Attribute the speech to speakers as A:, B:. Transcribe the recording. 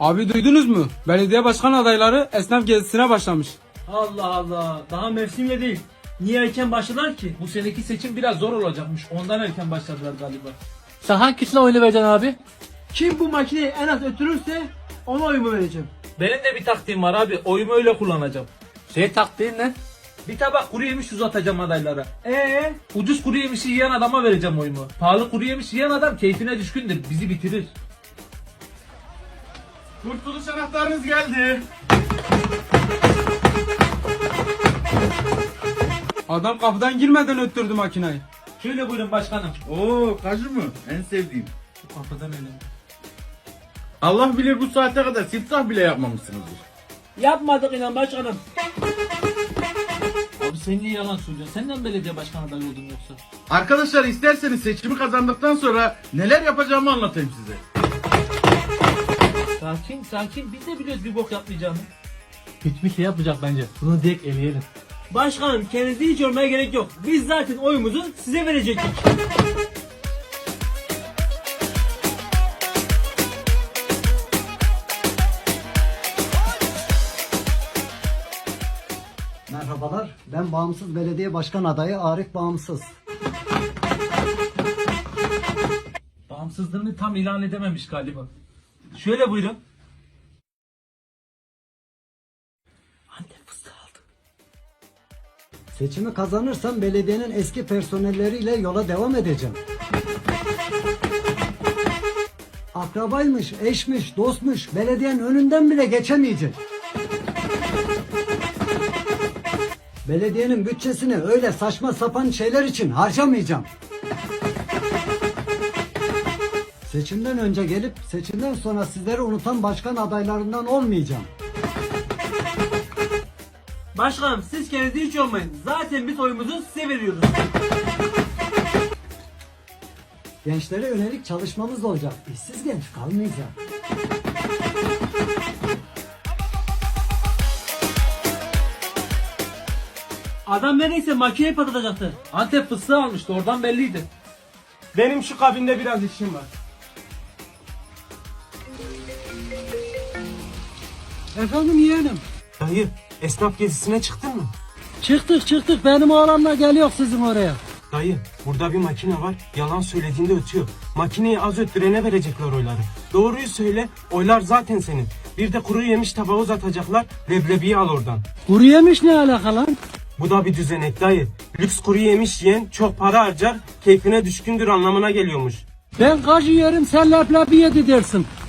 A: Abi duydunuz mu? Belediye başkan adayları esnaf gezisine başlamış.
B: Allah Allah. Daha mevsimle değil. Niye erken başladılar ki?
C: Bu seneki seçim biraz zor olacakmış. Ondan erken başladılar galiba.
B: Sen hangisine oyunu vereceksin abi? Kim bu makineyi en az ötürürse ona oyumu vereceğim.
C: Benim de bir taktiğim var abi. Oyumu öyle kullanacağım.
B: Taktiğin ne?
C: Bir tabak kuru yemiş uzatacağım adaylara. Ucuz kuru yemişi yiyen adama vereceğim oyumu. Pahalı kuru yemiş yiyen adam keyfine düşkündür. Bizi bitirir.
D: Kurtuluş anahtarınız geldi.
A: Adam kapıdan girmeden öttürdü makinayı.
C: Şöyle buyurun başkanım.
D: Oo, kaju mu? En sevdiğim.
C: Bu kapıdan öyle.
D: Allah bilir bu saate kadar siftah bile yapmamışsınızdır.
B: Yapmadık inan başkanım.
C: Abi sen niye yalan söylüyorsun? Senden belediye başkan adayı oldun yoksa?
D: Arkadaşlar isterseniz seçimi kazandıktan sonra neler yapacağımı anlatayım size.
C: Sakin sakin. Biz de biliyoruz bir bok yapmayacağını.
B: Hiçbir şey yapmayacak bence. Bunu direkt eleyelim. Başkanım kendinizi hiç yormaya gerek yok. Biz zaten oyumuzu size verecektik.
E: Merhabalar, ben Bağımsız Belediye Başkan Adayı Arif Bağımsız.
C: Bağımsızlığını tam ilan edememiş galiba. Şöyle buyurun.
B: Antep fıstığı aldım.
E: Seçimi kazanırsam belediyenin eski personelleriyle yola devam edeceğim. Akrabaymış, eşmiş, dostmuş, belediyenin önünden bile geçemeyecek. Belediyenin bütçesini öyle saçma sapan şeyler için harcamayacağım. Seçimden önce gelip seçimden sonra sizleri unutan başkan adaylarından olmayacağım.
B: Başkanım siz kendinizi hiç yormayın. Zaten biz oyumuzu size veriyoruz.
E: Gençlere yönelik çalışmamız olacak. İşsiz genç kalmayacak.
B: Adam neredeyse makineyi patlatacaktı.
C: Antep fıstığı almıştı. Oradan belliydi.
A: Benim şu kabinde biraz işim var.
E: Efendim yeğenim.
F: Dayı, esnaf gezisine çıktın mı?
E: Çıktık benim oğlanla geliyor sizin oraya.
F: Dayı, burada bir makine var. Yalan söylediğinde ötüyor. Makineyi az öttürene verecekler oyları. Doğruyu söyle, oylar zaten senin. Bir de kuru yemiş tabağı uzatacaklar. Leblebiyi al oradan.
E: Kuru yemiş ne alaka lan?
F: Bu da bir düzenek dayı. Lüks kuru yemiş yiyen çok para harcar, keyfine düşkündür anlamına geliyormuş.
E: Ben kacı yerim sen leblebi yedi dersin.